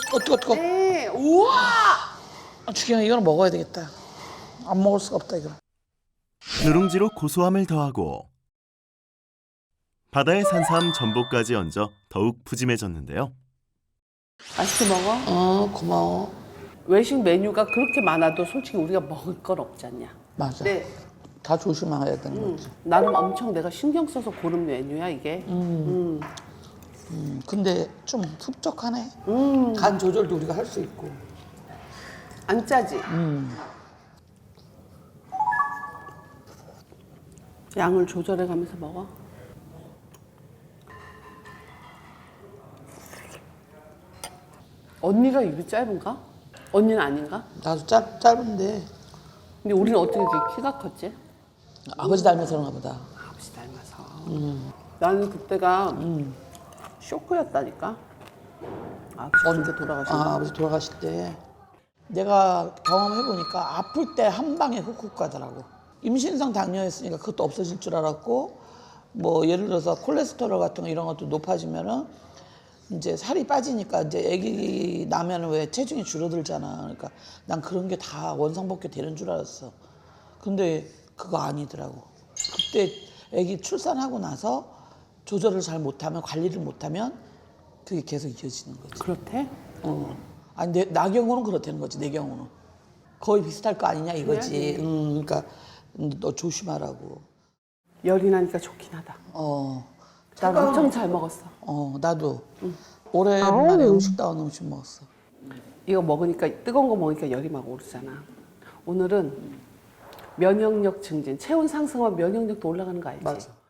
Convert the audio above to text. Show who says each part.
Speaker 1: 뜨거.
Speaker 2: 네. 우와.
Speaker 1: 주경아 이거는 먹어야 되겠다. 안 먹을 수가 없다 이거.
Speaker 3: 누룽지로 고소함을 더하고 바다의 산삼 전복까지 얹어 더욱 푸짐해졌는데요.
Speaker 2: 맛있게 먹어.
Speaker 1: 고마워.
Speaker 2: 외식 메뉴가 그렇게 많아도 솔직히 우리가 먹을 건 없지 않냐.
Speaker 1: 맞아.
Speaker 2: 네.
Speaker 1: 다 조심해야 되는 거지.
Speaker 2: 나름 엄청 내가 신경 써서 고른 메뉴야 이게.
Speaker 1: 근데 좀 흡족하네. 간 조절도 우리가 할 수 있고.
Speaker 2: 안 짜지. 양을 조절해 가면서 먹어. 언니가 입이 짧은가? 언니는 아닌가?
Speaker 1: 나도 짧은데
Speaker 2: 근데 우리는 어떻게 이렇게 키가 컸지?
Speaker 1: 아버지 닮아서 그런가 보다.
Speaker 2: 아버지 닮아서. 나는 그때가 쇼크였다니까. 아버지 언제 돌아가셨나?
Speaker 1: 아버지 돌아가실 때 내가 경험해보니까 아플 때 한 방에 훅훅 가더라고. 임신성 당뇨였으니까 그것도 없어질 줄 알았고 뭐 예를 들어서 콜레스테롤 같은 거 이런 것도 높아지면은 이제 살이 빠지니까 이제 아기 나면은 왜 체중이 줄어들잖아. 그러니까 난 그런 게 다 원상복귀 되는 줄 알았어. 근데 그거 아니더라고. 그때 아기 출산하고 나서 조절을 잘 못하면 관리를 못하면 그게 계속 이어지는 거지.
Speaker 2: 그렇대?
Speaker 1: 아니 나 경우는 그렇다는 거지. 내 경우는 거의 비슷할 거 아니냐 이거지. 그러니까 너 조심하라고.
Speaker 2: 열이 나니까 좋긴 하다. 난 엄청 잘 먹었어.
Speaker 1: 나도 오랜만에 음식다운 음식 먹었어.
Speaker 2: 이거 먹으니까 뜨거운 거 먹으니까 열이 막 오르잖아. 오늘은 면역력 증진, 체온 상승하면 면역력도 올라가는 거 알지?
Speaker 1: 맞아.